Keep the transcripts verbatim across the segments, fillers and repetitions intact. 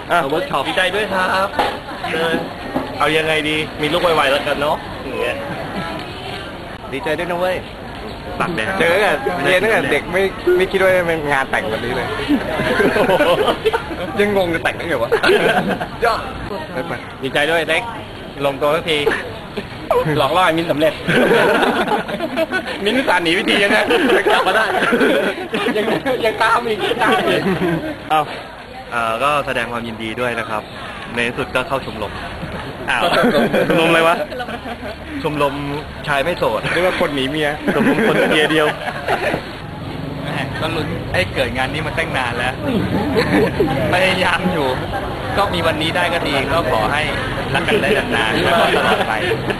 เวิร์กช็อปดีใจด้วยครับเออเอายังไงดีมีลูกไวๆแล้วกันเนาะอย่างเงี้ยดีใจด้วยนะเว้ยตัดเนี่ยเจอตั้งแต่เรียนตั้งแต่เด็กไม่ไม่คิดว่าจะเป็นงานแต่งแบบนี้เลยยังงงจะแต่งได้ไงวะย่อดีใจด้วยเล็กลงตัวสักทีหลอกล่อไอ้มิ้นสำเร็จมิ้นสารหนีวิธียังไงกลับมาได้ยังยังตามอีกตามอีกเอาอ่าก็แสดงความยินดีด้วยนะครับในสุดก็เข้าชมรมอ้าวชมรมอะไรวะชมรมชายไม่โสดเรียกว่าคนหนีเมียชมรมคนเมียเดียวก็ลุ้นให้เกิดงานนี้มาตั้งนานแล้วพยายามอยู่ก็มีวันนี้ได้ก็ดีก็ขอให้รักกันได้นานๆแล้วก็ตลอดไป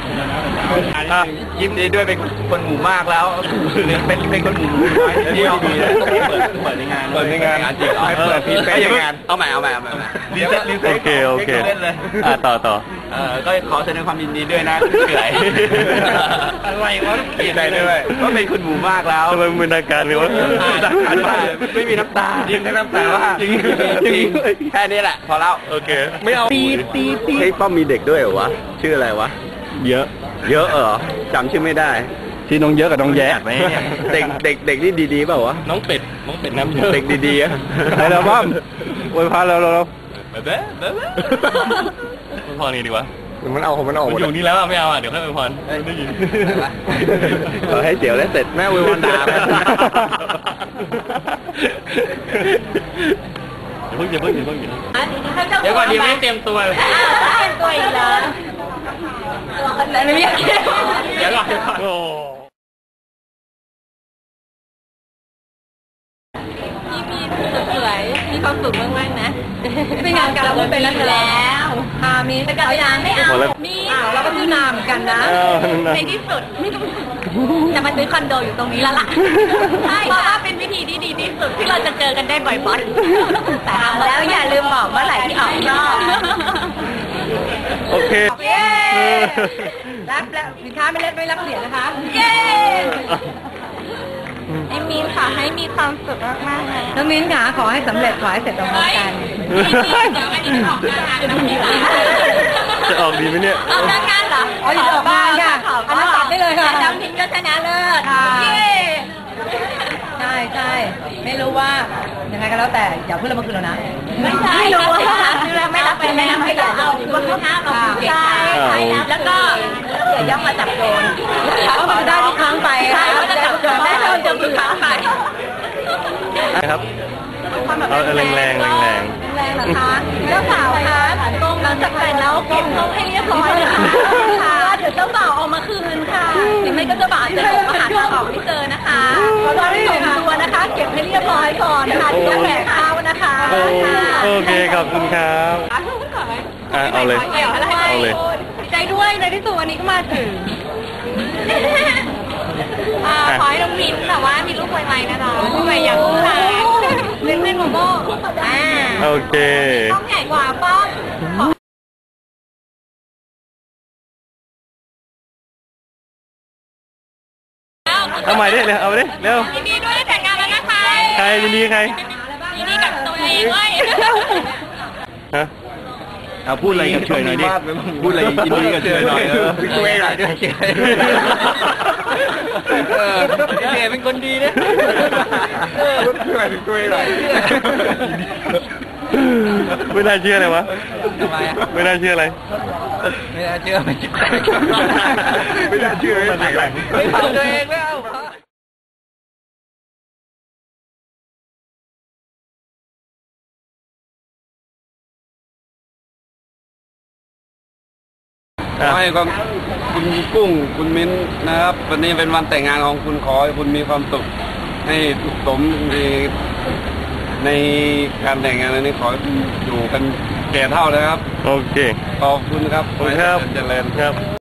ยิ้มดีด้วยเป็นคนหมู่มากแล้วเป็นเป็นคนหมู่น้อยที่ดีต้องเปิดเปิดในงานเปิดในงานจริงให้เปิดพีเป๊ะงานเอาใหม่เอาใหม่เอาใหม่รีเซ็ตรีเซ็ตโอเคโอเคอ่าต่อต่อเออก็ขอแสดงความยินดีด้วยนะเฉยอะไรวะดีใจด้วยก็เป็นคนหมู่มากแล้วทำไมมึนอาการเลยวะไม่มีน้ำตาจริงแค่น้ำตาว่าจริงจริงแค่นี้แหละพอแล้วโอเคไม่เอาตีตีตีเฮ้ยป้อมมีเด็กด้วยเหรอวะชื่ออะไรวะเยอะเยอะเหรอจำชื่อไม่ได้ที่น้องเยอะกับน้องแย่ไหมเด็กเด็กเด็กที่ดีๆเปล่าวะน้องเป็ดน้องเป็ดน้ำเยอะเด็กดีๆอะไปแล้วป้อมอวยพรเราเราเบ๊ะเบ๊ะอวยพรนี่ดีวะมันเอาของมันออกมันอยู่นี่แล้วไม่เอาอ่ะเดี๋ยวค่อยอวยพรได้ยินขอให้เดี๋ยวแล้วเสร็จแม่อวยพรด่าเพิ่งจะเพิ่งจะเพิ่งจะเดี๋ยวก่อนดีไม่เตรียมตัวเตรียมตัวอีกแล้วไม่อยากเดี๋ยวก่อนโอ้พี่มีสวยมีความสุขมากๆนะเป็นงานการเราเป็นแล้วค่ะมีแต่ก็ยังไม่เอามีเราก็ซื้อนามกันนะในที่สุดจะมาซื้อคอนโดอยู่ตรงนี้แล้วล่ะใช่เพราะว่าเป็นวิธีที่ดีที่สุดที่เราจะเจอกันได้บ่อยๆแต่แล้วอย่าลืมบอกเมื่อไหร่ที่ออกรอบโอเครับแล้วสินค้าไม่เล็กไม่รับเหรียญนะคะเย้ไอ้มิ้นค่ะให้มีความสุขมากๆเลยน้องมิ้นค่ะขอให้สำเร็จขอให้เสร็จตรงกันจะออกดีไหมเนี่ยออกงานเหรออ๋อออกงานค่ะอันนั้นตัดได้เลยค่ะน้ำทิ้งก็ชนะเลิศใช่ใช่ไม่รู้ว่ายังไงก็แล้วแต่อย่าพูดแล้วมาคืนแล้วนะไม่ใช่ไม่รู้ว่าคือเราไม่รับไปไม่รับไปอย่าเอาว่าเขาห้ามเราใช่ใช่แล้วก็อย่าย่องมาจับโดนเพราะมันได้ทุกครั้งไปใช่ก็จะจับโดนได้โดนจะทุกครั้งไปครับเอาแรงแรงแรงแรงแรงนะคะเจ้าสาวคะหลังจากแต่งแล้วเก็บห้องให้เรียบร้อยนะคะเดี๋ยวเจ้าบ่าวเอามาคืนค่ะหรือไม่ก็เจ้าบ่าวจะหลงมาหาทางออกไม่เจอนะคะขอตอนที่ส่งตัวนะคะเก็บให้เรียบร้อยก่อนนะคะที่จะแหกข้าวนะคะโอเคขอบคุณครับเอาเลยเอาเลยดีใจด้วยในที่สุดวันนี้ก็มาถึงขอให้น้องมิ้นแต่ว่ามีลูกไวๆนะจ๊ะลูกไวอย่างผู้ชายเล่นเล่นโมโม่อ่าโอเคต้องใหญ่กว่าป้อมเอาใหม่ดิเร็วเอาดิเร็วยินดีด้วยได้แต่งงานแล้วนะคะใครยินดีใครยินดีกับตัวเองด้วยฮะเอาพูดอะไรกับเฉยหน่อยดิพูดอะไรยินดีกับเฉยหน่อยเออพี่กุ้ยหน่อยด้วยเฉยเออเฉยเป็นคนดีนะเออพี่กุ้ยพี่กุ้ยหน่อยไม่น่าเชื่อเลยวะไม่น่าเชื่ออะไรไม่น่าเชื่อไม่ไม่น่าเชื่อไม่ถ่ายไม่เผาตัวเองไม่เอาขอให้คุณกุ้งคุณมิ้นนะครับวันนี้เป็นวันแต่งงานของคุณขอให้คุณมีความสุขให้สุขสมในในการแต่งงานนี้ขออยู่กันแก่เท่านะครับโอเคขอบคุณครับขอบคุณครับเจริญครับ